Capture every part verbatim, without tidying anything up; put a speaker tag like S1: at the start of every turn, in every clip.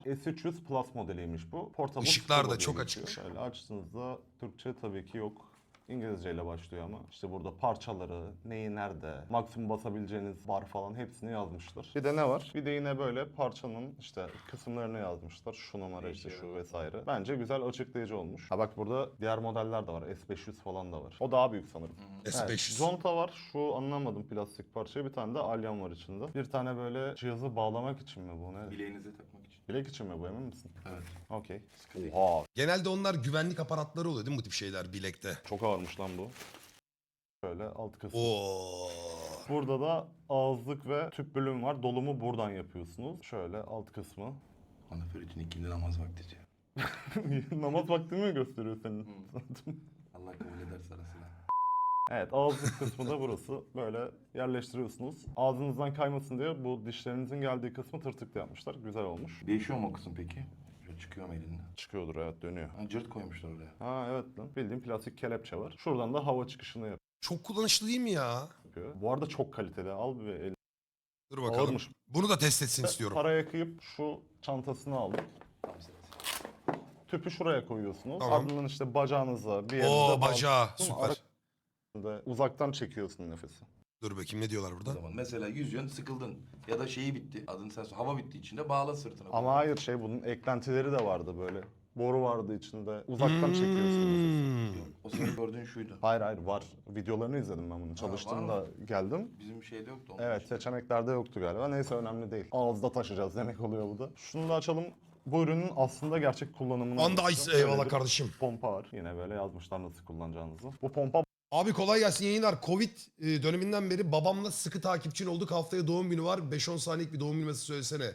S1: S üç yüz Plus modeliymiş bu. Portable
S2: Işıklar da
S1: Scuba diye
S2: çok
S1: geçiyor.
S2: açık.
S1: Şöyle açtığınızda Türkçe tabii ki yok. İngilizceyle başlıyor ama işte burada parçaları, neyi nerede, maksimum basabileceğiniz bar falan hepsini yazmışlar. Bir de ne var? Bir de yine böyle parçanın işte kısımlarını yazmışlar. Şu numara işte şu vesaire. Bence güzel açıklayıcı olmuş. Ha bak burada diğer modeller de var. S beş yüz falan da var. O daha büyük sanırım.
S2: S beş yüz.
S1: Evet, conta var. Şu anlamadım plastik parçaya. Bir tane de alyan var içinde. Bir tane böyle cihazı bağlamak için mi bu? Ne?
S3: Bileğinize takmak için.
S1: Bilek için mi bu, emin misin?
S3: Evet.
S1: Okey.
S3: değil.
S1: Oha.
S2: Genelde onlar güvenlik aparatları oluyor değil mi bu tip şeyler bilekte?
S1: Çok ağırmış lan bu. Şöyle alt kısmı.
S2: Oo.
S1: Burada da ağızlık ve tüp bölüm var. Dolumu buradan yapıyorsunuz. Şöyle alt kısmı.
S3: Anaferit'in ikindi namaz vakti diyor.
S1: Namaz vaktini mi gösteriyor senin?
S3: Allah kabul ederse arasına.
S1: Evet, ağızlık kısmı da burası. Böyle yerleştiriyorsunuz. Ağzınızdan kaymasın diye bu dişlerinizin geldiği kısmı tırtıklı yapmışlar. Güzel olmuş.
S3: Değişiyor mu o kısım peki? Şöyle çıkıyor mu elinde?
S1: Çıkıyordur, evet, dönüyor.
S3: Ha, cırt koymuşlar oraya.
S1: Ha evet lan. Bildiğin plastik kelepçe var. Şuradan da hava çıkışını
S2: Çok kullanışlı değil mi ya?
S1: yapıyor. Bu arada çok kaliteli. Al bir el.
S2: Dur bakalım.
S1: Ağırmış.
S2: Bunu da test etsin istiyorum.
S1: Paraya kıyıp şu çantasını aldım.
S3: Tamam set.
S1: Tüpü şuraya koyuyorsunuz.
S2: Tamam.
S1: Ardından işte bacağınıza bir yerinize
S2: Oo bacağı
S1: bağlıyorsunuz.
S2: süper.
S1: Arasında uzaktan çekiyorsun nefesi.
S2: Dur bakayım ne diyorlar
S3: O
S2: burada?
S3: zaman mesela yüzüyorsun sıkıldın. Ya da şeyi bitti. Adını sen söyle. Hava bitti içinde bağla sırtına.
S1: Ama hayır, şey, bunun eklentileri de vardı böyle. Boru vardı içinde. Uzaktan çekiyorsun nefesi.
S2: Hmm.
S3: O senin gördüğün şuydu.
S1: Hayır hayır var. Videolarını izledim ben bunu. Çalıştığımda
S3: var
S1: geldim.
S3: Bizim şeyde yoktu. onun
S1: Evet,
S3: için.
S1: seçeneklerde yoktu galiba. Neyse, önemli değil. Ağızda taşıyacağız demek oluyor bu da. Şunu da açalım. Bu ürünün aslında gerçek kullanımını
S2: Anda
S1: anlatacağım.
S2: ice eyvallah
S1: Böyle bir
S2: kardeşim.
S1: pompa var. Yine böyle yazmışlar nasıl kullanacağınızı. Bu pompa
S2: Abi kolay gelsin yayınlar. Covid e, döneminden beri babamla sıkı takipçin olduk. Haftaya doğum günü var. beş on saniyelik bir doğum günü mesajı söylesene.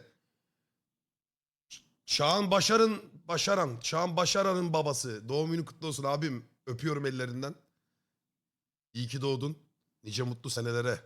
S2: Ç- Çağan Başar'ın, Başaran, Çağan Başaran'ın babası. Doğum günü kutlu olsun abim. Öpüyorum ellerinden. İyi ki doğdun. Nice mutlu senelere.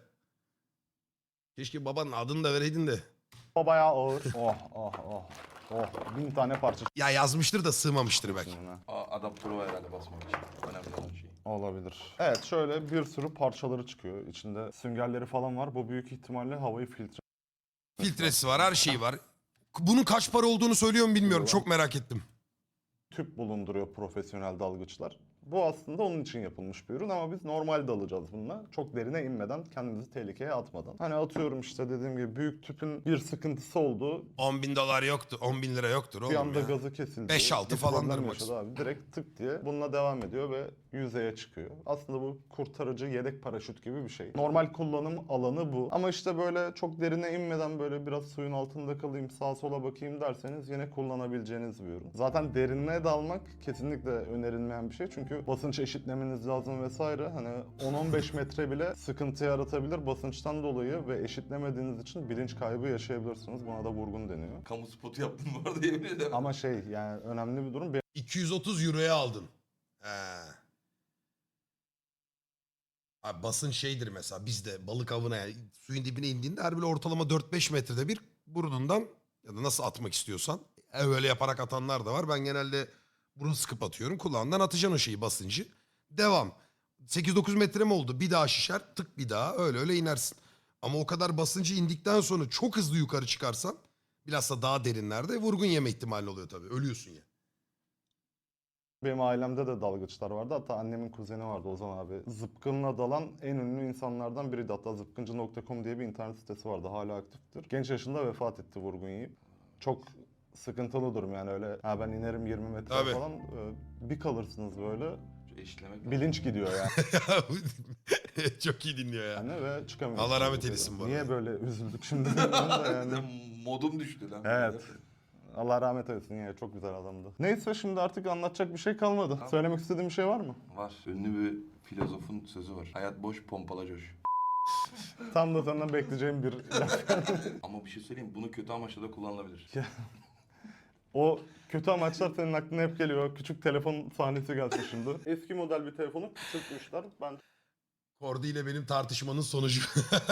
S2: Keşke babanın adını da vereydin de.
S1: bayağı ağır. Oh oh oh. Oh, bin tane parça
S2: Ya yazmıştır da sığmamıştır belki.
S1: çıkıyor.
S3: Aa, adaptörü var herhalde basmak için. Önemli olan şey.
S1: Olabilir. Evet, şöyle bir sürü parçaları çıkıyor. İçinde süngerleri falan var. Bu büyük ihtimalle havayı filtre.
S2: Filtresi var, her şeyi var. Bunun kaç para olduğunu söylüyor mu bilmiyorum. Çok merak ettim.
S1: Tüp bulunduruyor profesyonel dalgıçlar. Bu aslında onun için yapılmış bir ürün ama biz normal dalacağız bununla. Çok derine inmeden, kendimizi tehlikeye atmadan. Hani atıyorum işte dediğim gibi büyük tüpün bir sıkıntısı oldu.
S2: on bin dolar yoktu. on bin lira yoktur
S1: Bir
S2: oğlum
S1: anda
S2: ya.
S1: gazı kesildi.
S2: beş altı
S1: bir
S2: falandır
S1: problem
S2: max.
S1: yaşadı abi. Direkt tık diye bununla devam ediyor ve yüzeye çıkıyor. Aslında bu kurtarıcı yedek paraşüt gibi bir şey. Normal kullanım alanı bu. Ama işte böyle çok derine inmeden böyle biraz suyun altında kalayım, sağa sola bakayım derseniz yine kullanabileceğiniz bir ürün. Zaten derinliğe dalmak kesinlikle önerilmeyen bir şey. Çünkü basınç eşitlemeniz lazım vesaire. Hani on on beş metre bile sıkıntı yaratabilir basınçtan dolayı ve eşitlemediğiniz için bilinç kaybı yaşayabilirsiniz. Buna da vurgun deniyor.
S3: Kamu spotu yaptın bu arada yemin ederim.
S1: Ama şey, yani önemli bir durum.
S2: iki yüz otuz euroya aldın. He. Abi basın şeydir mesela bizde balık avına yani suyun dibine indiğinde her böyle ortalama dört beş metrede bir burnundan ya da nasıl atmak istiyorsan e, öyle yaparak atanlar da var. Ben genelde burun sıkıp atıyorum. Kulağından atacaksın o şeyi basıncı. Devam. sekiz dokuz metre mi oldu? Bir daha şişer tık bir daha öyle öyle inersin. Ama o kadar basıncı indikten sonra çok hızlı yukarı çıkarsan bilhassa daha derinlerde vurgun yeme ihtimali oluyor tabii. Ölüyorsun ya.
S1: Benim ailemde de dalgıçlar vardı. Hatta annemin kuzeni vardı, Ozan abi. Zıpkınla dalan en ünlü insanlardan biriydi. Hatta zıpkıncı nokta com diye bir internet sitesi vardı. Hala aktiftir. Genç yaşında vefat etti vurgun yiyip. Çok sıkıntılı durum yani, öyle ha ben inerim yirmi metre
S2: Tabii.
S1: falan. e, Bir kalırsınız böyle.
S3: Şu eşitlemek lazım.
S1: Bilinç gidiyor yani.
S2: Çok iyi dinliyor ya.
S1: yani ve çıkamıyorsunuz.
S2: Allah rahmet eylesin bu arada.
S1: Niye böyle üzüldük şimdi? bilmiyorum da yani.
S3: Modum düştü lan.
S1: Evet. Allah rahmet eylesin, ya çok güzel adamdı. Neyse, şimdi artık anlatacak bir şey kalmadı. Söylemek istediğin bir şey var mı?
S3: Var. Ünlü bir filozofun sözü var. Hayat boş, pompala coş.
S1: Tam da senden bekleyeceğim bir laf.
S3: Ama bir şey söyleyeyim, bunu kötü amaçla da kullanılabilir.
S1: O kötü amaçlar senin aklına hep geliyor. Küçük telefon sahnesi gelsin şimdi. Eski model bir telefonu küçültmüşler. Ben
S2: Kordi ile benim tartışmanın sonucu.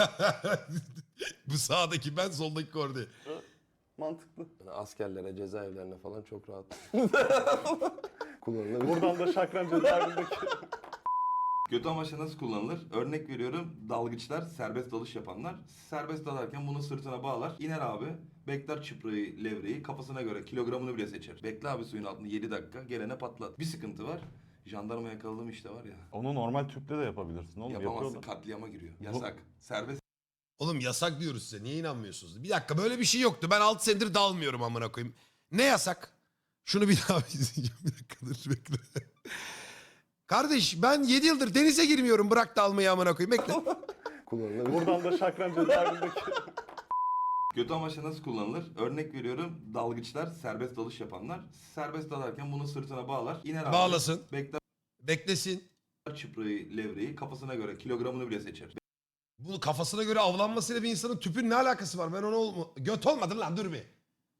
S2: Bu sağdaki ben, soldaki Kordi.
S1: mantıklı.
S4: Askerlere, cezaevlerine falan çok rahat kullanılabilir.
S1: Buradan da Şakran cezaevindeki
S3: Kötü amaçla nasıl kullanılır? Örnek veriyorum, dalgıçlar, serbest dalış yapanlar. Serbest dalarken bunu sırtına bağlar. İner abi, bekler çıprayı, levreyi, kafasına göre kilogramını bile seçer. Bekle abi suyun altında yedi dakika, gelene patlat. Bir sıkıntı var. Jandarma yakaladım işte var ya.
S1: Onu normal tüple de yapabilirsin oğlum.
S3: Yapamazsın,
S1: Yapıyorlar.
S3: katliama giriyor. Yasak. Serbest
S2: Oğlum yasak diyoruz size. Niye inanmıyorsunuz? Bir dakika böyle bir şey yoktu. Ben altı senedir dalmıyorum amına koyayım. Ne yasak? Şunu bir daha izleyeceğim. Bir dakika dur bekle. Kardeş ben yedi yıldır denize girmiyorum. Bırak dalmayı amına koyayım. Bekle.
S4: Kullanılabilir.
S1: Buradan da Şakran cezaevindeki...
S3: Kötü amaçla nasıl kullanılır? Örnek veriyorum, dalgıçlar, serbest dalış yapanlar. Serbest dalarken bunu sırtına bağlar. İner abi.
S2: Bağlasın.
S3: Bekler
S2: Beklesin.
S3: çıprayı, levreyi, kafasına göre kilogramını bile seçer.
S2: Bu kafasına göre avlanmasıyla bir insanın tüpün ne alakası var? Ben onu olma... Göt olmadı lan dur bir.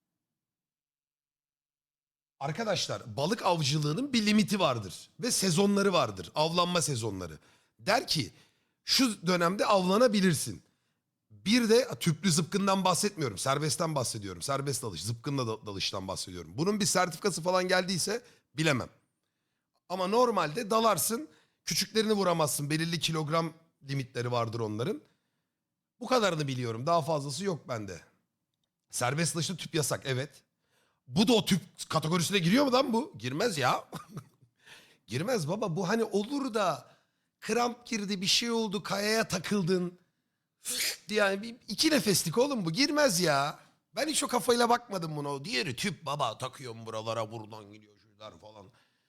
S2: Arkadaşlar balık avcılığının bir limiti vardır. Ve sezonları vardır. Avlanma sezonları. Der ki şu dönemde avlanabilirsin. Bir de tüplü zıpkından bahsetmiyorum. Serbestten bahsediyorum. Serbest dalış. Zıpkınla da- dalıştan bahsediyorum. Bunun bir sertifikası falan geldiyse bilemem. Ama normalde dalarsın. Küçüklerini vuramazsın. Belirli kilogram limitleri vardır onların. Bu kadarını biliyorum. Daha fazlası yok bende. Serbest dalışta tüp yasak. Evet. Bu da o tüp kategorisine giriyor mu lan bu? Girmez ya. Girmez baba. Bu hani olur da kramp girdi bir şey oldu kayaya takıldın. Yani bir, iki nefeslik oğlum bu. Girmez ya. Ben hiç o kafayla bakmadım buna. Diğeri tüp baba takıyorum buralara buradan gidiyor şunlar falan.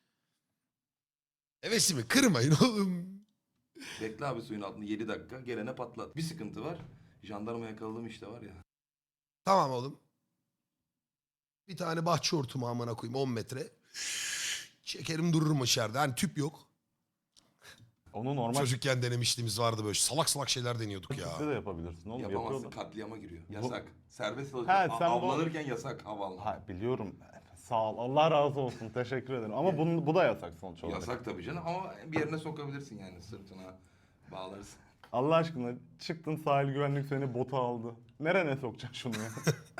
S2: Hevesimi kırmayın oğlum.
S3: Bekle abi suyun altında yedi dakika, gelene patlat. Bir sıkıntı var. Jandarma yakaladım işte var ya.
S2: Tamam oğlum. Bir tane bahçe hortumu amına koyayım on metre. Çekerim dururum içeride. Hani tüp yok.
S1: Onu normal
S2: Çocukken denemişliğimiz vardı böyle. Salak salak şeyler deniyorduk ya.
S1: tüple de yapabilirsin oğlum.
S3: Yapamazsın,
S1: Yapıyorlar.
S3: katliama giriyor. Yasak. Serbest dalış.
S1: He,
S3: A-
S1: sen bu-
S3: avlanırken yasak havalanmak.
S1: Ha, biliyorum. Sağ ol. Allah razı olsun. Teşekkür ederim. Ama bunun, bu da yasak sonuç olarak.
S3: Yasak tabii canım ama bir yerine sokabilirsin yani, sırtına bağlarsın.
S1: Allah aşkına çıktın sahil güvenlik seni bota aldı. Nerene sokacaksın şunu ya?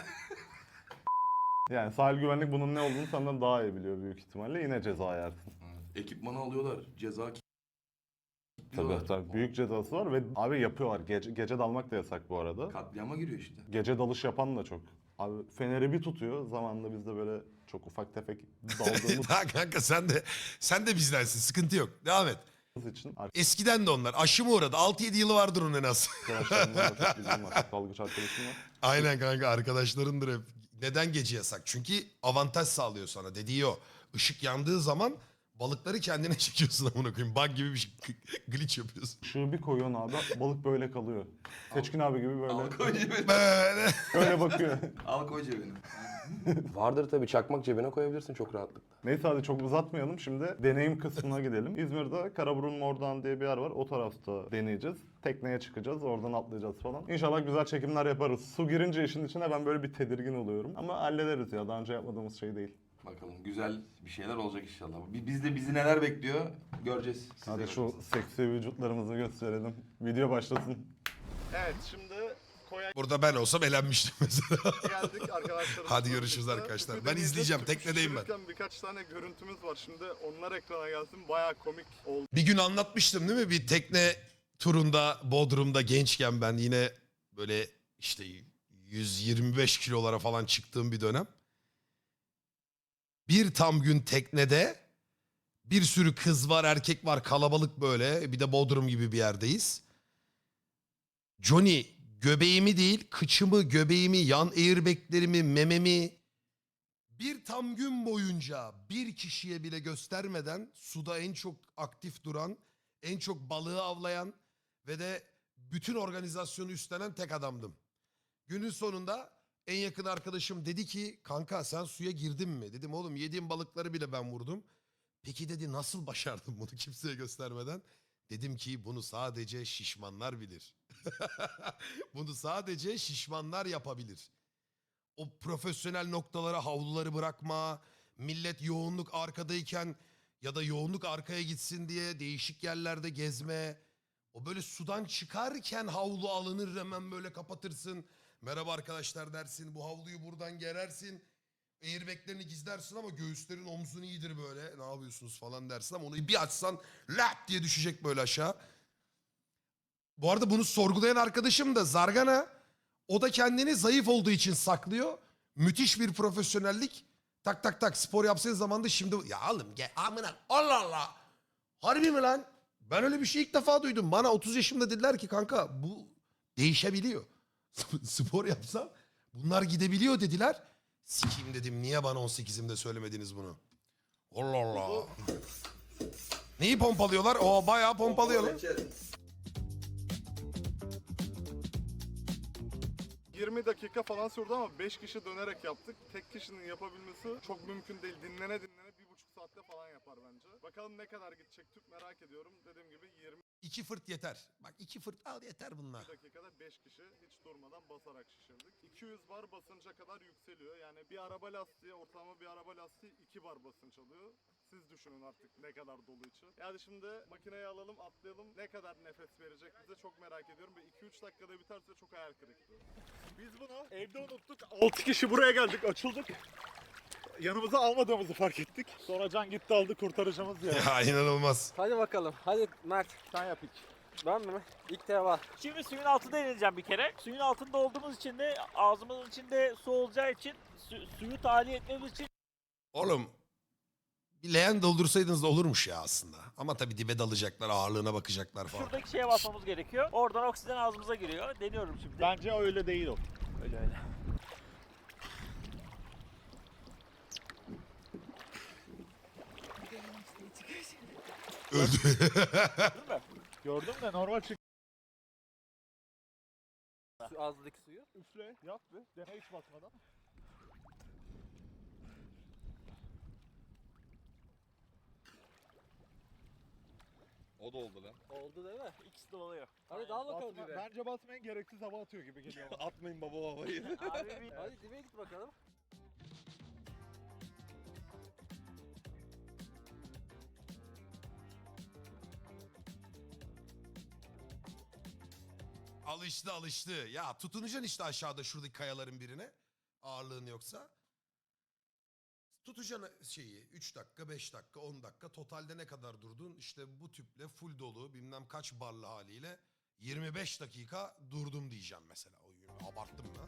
S1: Yani sahil güvenlik bunun ne olduğunu senden daha iyi biliyor büyük ihtimalle. Yine ceza yersin.
S3: Ekipmanı alıyorlar. Ceza ki-
S1: Tabii
S3: diyorlar.
S1: tabii. Büyük cezası var ve abi yapıyorlar. Gece, gece dalmak da yasak bu arada.
S3: Katliama giriyor işte.
S1: Gece dalış yapan da çok. Abi feneri bir tutuyor. Zamanında biz de böyle çok ufak tefek daldığımız
S2: Ha kanka sen de sen de bizdensin. Sıkıntı yok. Devam et.
S1: için
S2: Eskiden de onlar. Aşı mı uğradı? altı yedi yılı vardır onun en az.
S1: arkadaşlarımla da çok bilgim var. Dalgıç arkadaşım var.
S2: Aynen kanka arkadaşlarındır hep. Neden gece yasak? Çünkü avantaj sağlıyor sana. Dediği o. Işık yandığı zaman balıkları kendine çekiyorsun amına koyayım. Bug gibi bir şey. Glitch yapıyorsun.
S1: Işığı bir koyuyorsun abi balık böyle kalıyor. Seçkin abi gibi böyle
S3: Al koy cebine.
S2: Böyle.
S1: böyle bakıyor.
S3: Al koy cebine.
S4: Vardır tabii, çakmak cebine koyabilirsin çok rahatlıkla.
S1: Neyse hadi çok uzatmayalım. Şimdi deneyim kısmına gidelim. İzmir'de Karaburun Mordoğan diye bir yer var. O tarafta deneyeceğiz. Tekneye çıkacağız. Oradan atlayacağız falan. İnşallah güzel çekimler yaparız. Su girince işin içine ben böyle bir tedirgin oluyorum. Ama hallederiz ya. Daha önce yapmadığımız şey değil.
S3: Bakalım güzel bir şeyler olacak inşallah. Bi- Biz de bizi neler bekliyor göreceğiz. Siz de
S1: Hadi şu
S3: göreceksiniz.
S1: seksi vücutlarımızı gösterelim. Video başlasın. Evet şimdi koya
S2: Burada ben olsam elenmiştim mesela.
S1: geldik arkadaşlar.
S2: Hadi görüşürüz arkadaşlar. Ben izleyeceğim, teknedeyim ben.
S1: Birkaç tane görüntümüz var. Şimdi onlar ekrana gelsin. Bayağı komik oldu.
S2: Bir gün anlatmıştım değil mi? Bir tekne turunda Bodrum'da gençken ben yine böyle işte yüz yirmi beş kilolara falan çıktığım bir dönem. Bir tam gün teknede bir sürü kız var, erkek var, kalabalık böyle. Bir de Bodrum gibi bir yerdeyiz. Johnny göbeğimi değil, kıçımı, göbeğimi, yan airbaglerimi, mememi bir tam gün boyunca bir kişiye bile göstermeden suda en çok aktif duran, en çok balığı avlayan ve de bütün organizasyonu üstlenen tek adamdım. Günün sonunda en yakın arkadaşım dedi ki kanka sen suya girdin mi? Dedim oğlum yediğim balıkları bile ben vurdum. Peki dedi nasıl başardın bunu kimseye göstermeden? Dedim ki bunu sadece şişmanlar bilir. Bunu sadece şişmanlar yapabilir. O profesyonel noktalara havluları bırakma, millet yoğunluk arkadayken ya da yoğunluk arkaya gitsin diye değişik yerlerde gezme. O böyle sudan çıkarken havlu alınır hemen böyle kapatırsın. Merhaba arkadaşlar dersin, bu havluyu buradan gerersin. airbaglerini gizlersin ama göğüslerin omzun iyidir böyle. Ne yapıyorsunuz falan dersin ama onu bir açsan lap diye düşecek böyle aşağı. Bu arada bunu sorgulayan arkadaşım da Zargana. O da kendini zayıf olduğu için saklıyor. Müthiş bir profesyonellik. Tak tak tak spor yapsaydı zamanda şimdi... Ya oğlum gel amına Allah Allah. Harbi mi lan? Ben öyle bir şey ilk defa duydum. Bana otuz yaşımda dediler ki kanka bu değişebiliyor. Spor yapsam bunlar gidebiliyor dediler. Sikeyim dedim niye bana on sekizimde söylemediniz bunu? Allah Allah. Neyi pompalıyorlar? O bayağı pompalıyorlar.
S1: yirmi dakika falan sürdü ama beş kişi dönerek yaptık. Tek kişinin yapabilmesi çok mümkün değil. Dinlene dinlene bir buçuk saatte falan yapar bence. Bakalım ne kadar gidecek tüp merak ediyorum. Dediğim gibi yirmi
S2: İki fırt yeter. Bak iki fırt al yeter bunlar.
S1: dakikada beş kişi hiç durmadan basarak şişirdik. iki yüz bar basınca kadar yükseliyor. Yani bir araba lastiği, ortalama bir araba lastiği iki bar basınç alıyor. Siz düşünün artık ne kadar dolu içi. Yani şimdi makineyi alalım, atlayalım. Ne kadar nefes verecek bize çok merak ediyorum. Ve iki üç dakikada biterse çok hayal kırıklığı. Biz bunu evde unuttuk. altı kişi buraya geldik, açıldık. Yanımıza almadığımızı fark ettik. Sonra Can gitti aldı, kurtarıcımız ya.
S2: Ya inanılmaz.
S5: Hadi bakalım. Hadi Mert.
S1: Sen yap ilk.
S5: Ben mi? İlk defa.
S6: Şimdi suyun altında ineceğim bir kere. Suyun altında olduğumuz için de ağzımızın içinde su olacağı için su- suyu tahliye etmemiz için
S2: Oğlum bir leğen doldursaydınız da olurmuş ya aslında. Ama tabii dibe dalacaklar, ağırlığına bakacaklar falan.
S6: şuradaki şeye basmamız gerekiyor. Oradan oksijen ağzımıza giriyor. Deniyorum şimdi.
S1: Bence öyle değil o.
S6: Öyle öyle.
S2: Öldü.
S1: Gördüm de normal çık.
S5: Su, ağzındaki suyu.
S1: Üfle, yap bir. Dene hiç basmadan.
S3: O da oldu lan.
S5: Oldu değil mi?
S6: İkisi de oluyor.
S5: Hadi dal bakalım
S1: Basma,
S5: dibe.
S1: bence basmayın, gereksiz hava atıyor gibi geliyor bana.
S3: Atmayın baba babayı.
S6: Abi bir
S5: Hadi dibe git bakalım.
S2: Alıştı alıştı. Ya tutunacaksın işte aşağıda şuradaki kayaların birine. Ağırlığın yoksa. Tutacaksın şeyi üç dakika, beş dakika, on dakika. Totalde ne kadar durdun? İşte bu tüple full dolu bilmem kaç barlı haliyle yirmi beş dakika durdum diyeceğim mesela. O abarttım mı?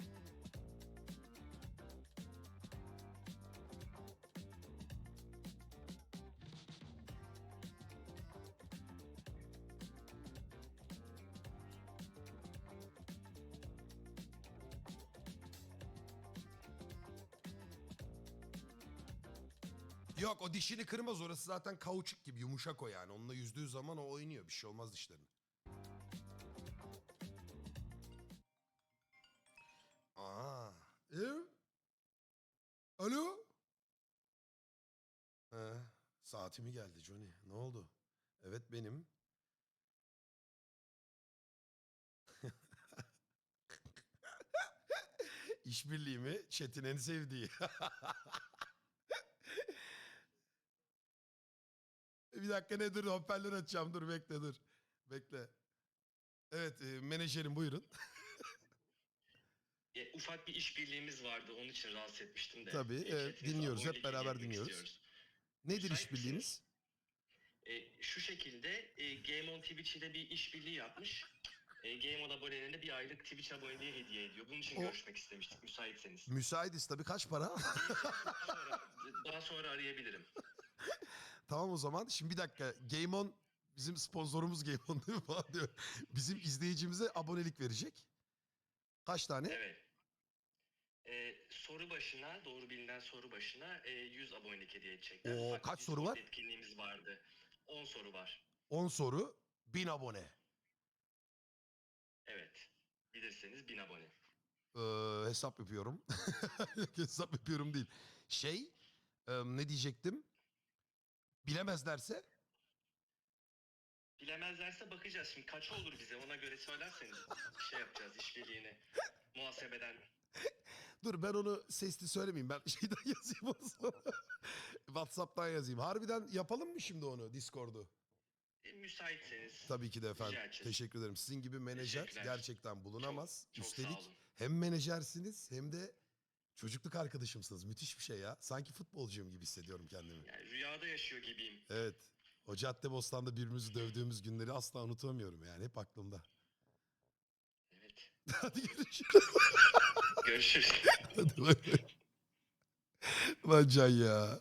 S2: Yok o dişini kırmaz orası zaten kauçuk gibi yumuşak o yani. Onunla yüzdüğü zaman o oynuyor bir şey olmaz dişlerine. Aa. E? Alo? He, saatimi geldi Johnny. Ne oldu? Evet benim. İşbirliği mi? Chat'in en sevdiği. Bir dakika ne dur hoparlör açacağım dur bekle dur. Bekle. Evet e, menajerim buyurun.
S7: E, ufak bir işbirliğimiz vardı. Onun için rahatsız etmiştim de.
S2: Tabii,
S7: E,
S2: evet,
S7: chatinize
S2: dinliyoruz, hep
S7: abonelik
S2: beraber
S7: iletmek
S2: dinliyoruz.
S7: istiyoruz.
S2: Nedir
S7: Müsait
S2: işbirliğimiz?
S7: E, şu şekilde e, Game on Twitch ile bir işbirliği yapmış. E, Game on abonelerine bir aylık Twitch aboneliği hediye ediyor. Bunun için
S2: O-
S7: görüşmek istemiştik müsaitseniz.
S2: Müsaitiz tabii kaç para?
S7: daha, sonra, daha sonra arayabilirim.
S2: Tamam o zaman. Şimdi bir dakika. Game On bizim sponsorumuz Game On değil mi falan diyor. Bizim izleyicimize abonelik verecek. Kaç tane?
S7: Evet. E, soru başına, doğru bilinen soru başına e, yüz abonelik hediye edecekler.
S2: Oo,
S7: Ufak bir
S2: kaç soru
S7: Discord
S2: var?
S7: etkinliğimiz vardı. on soru var.
S2: on soru, bin abone.
S7: Evet. Bilirseniz bin abone.
S2: Ee, hesap yapıyorum. Hesap yapıyorum değil. Şey, e, ne diyecektim? Bilemezlerse?
S7: Bilemezlerse bakacağız. Şimdi kaç olur bize ona göre söylerseniz şey yapacağız işbirliğini. Muhasebeden.
S2: Dur ben onu sesli söylemeyeyim. Ben şeyden yazayım o zaman. WhatsApp'tan yazayım. Harbiden yapalım mı şimdi onu Discord'u?
S7: E, müsaitseniz.
S2: Tabii ki de efendim.
S7: Rica edeceğiz.
S2: Teşekkür ederim. Sizin gibi menajer
S7: Teşekkürler.
S2: gerçekten bulunamaz.
S7: Çok- çok sağ
S2: Üstelik
S7: olun.
S2: hem menajersiniz hem de Çocukluk arkadaşımsınız. Müthiş bir şey ya. Sanki futbolcuyum gibi hissediyorum kendimi.
S7: Yani rüyada yaşıyor gibiyim.
S2: Evet. O Caddebostan'da birbirimizi dövdüğümüz günleri asla unutamıyorum yani. Hep aklımda.
S7: Evet.
S2: Hadi görüşürüz.
S7: Görüşürüz.
S2: Hadi bay bay. Lan Can ya.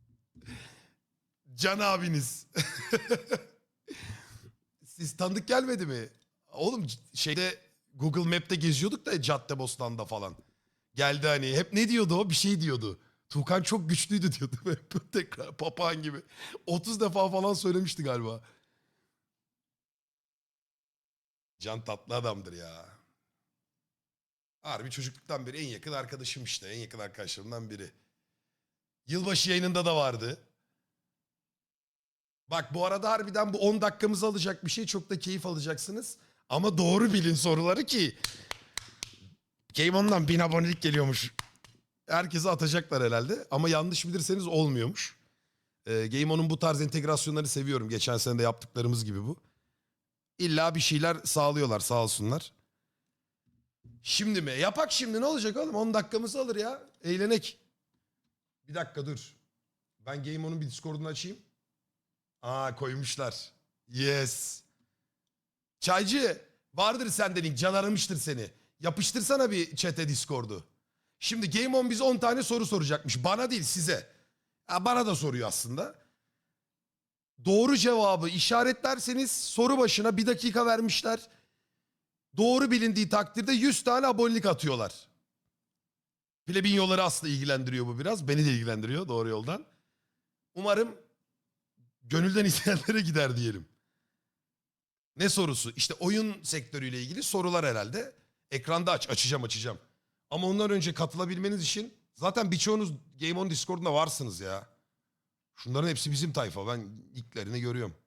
S2: Can abiniz. Siz tanıdık gelmedi mi? Oğlum c- şeyde Google Map'te geziyorduk da Caddebostan'da falan. Geldi hani hep ne diyordu o? Bir şey diyordu. Tuğkan çok güçlüydü diyordu. Hep tekrar papağan gibi. otuz defa falan söylemişti galiba. Can tatlı adamdır ya. Harbi çocukluktan beri en yakın arkadaşım işte. En yakın arkadaşlarımdan biri. Yılbaşı yayınında da vardı. Bak bu arada harbiden bu on dakikamızı alacak bir şey. Çok da keyif alacaksınız. Ama doğru bilin soruları ki. Game On'dan bin abonelik geliyormuş. Herkese atacaklar herhalde. Ama yanlış bilirseniz olmuyormuş. Ee, Game On'un bu tarz entegrasyonlarını seviyorum. Geçen sene de yaptıklarımız gibi bu. İlla bir şeyler sağlıyorlar sağ olsunlar. Şimdi mi? Yapak şimdi ne olacak oğlum? on dakikamızı alır ya. Eğlenek. Bir dakika dur. Ben Game On'un bir Discord'unu açayım. Aa koymuşlar. Yes. Çaycı vardır sende link. Can aramıştır seni. Yapıştırsana bir chat'e Discord'u. Şimdi Game On bize on tane soru soracakmış. Bana değil size. Ha, bana da soruyor aslında. Doğru cevabı işaretlerseniz soru başına bir dakika vermişler. Doğru bilindiği takdirde yüz tane abonelik atıyorlar. Plebinyoları aslında ilgilendiriyor bu biraz. Beni de ilgilendiriyor doğru yoldan. Umarım gönülden izleyenlere gider diyelim. Ne sorusu? İşte oyun sektörüyle ilgili sorular herhalde. Ekranda aç. Açacağım açacağım. Ama ondan önce katılabilmeniz için zaten birçoğunuz Game On Discord'unda varsınız ya. Şunların hepsi bizim tayfa. Ben ilklerini görüyorum.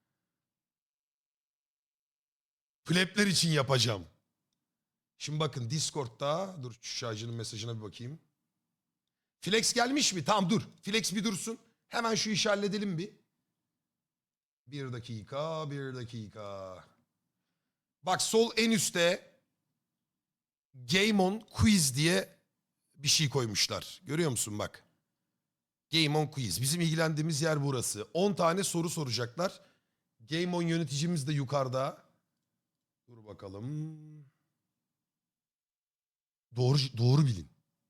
S2: Plebler için yapacağım. Şimdi bakın Discord'da dur şu şarjının mesajına bir bakayım. Flex gelmiş mi? Tamam dur. Flex bir dursun. Hemen şu işi halledelim bir. Bir dakika, bir dakika. Bak sol en üstte Game On Quiz diye bir şey koymuşlar. Görüyor musun bak. Game On Quiz. Bizim ilgilendiğimiz yer burası. on tane soru soracaklar. Game On yöneticimiz de yukarıda. Dur bakalım. Doğru doğru bilin.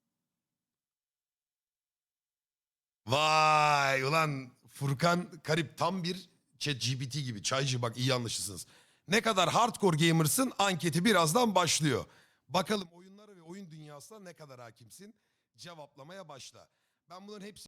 S2: Vay ulan Furkan Karip tam bir ChatGPT gibi. Çaycı bak iyi anlaşılsınız. Ne kadar hardcore gamersın anketi birazdan başlıyor. Bakalım oyunlara ve oyun dünyasına ne kadar hakimsin? Cevaplamaya başla. Ben bunların hepsini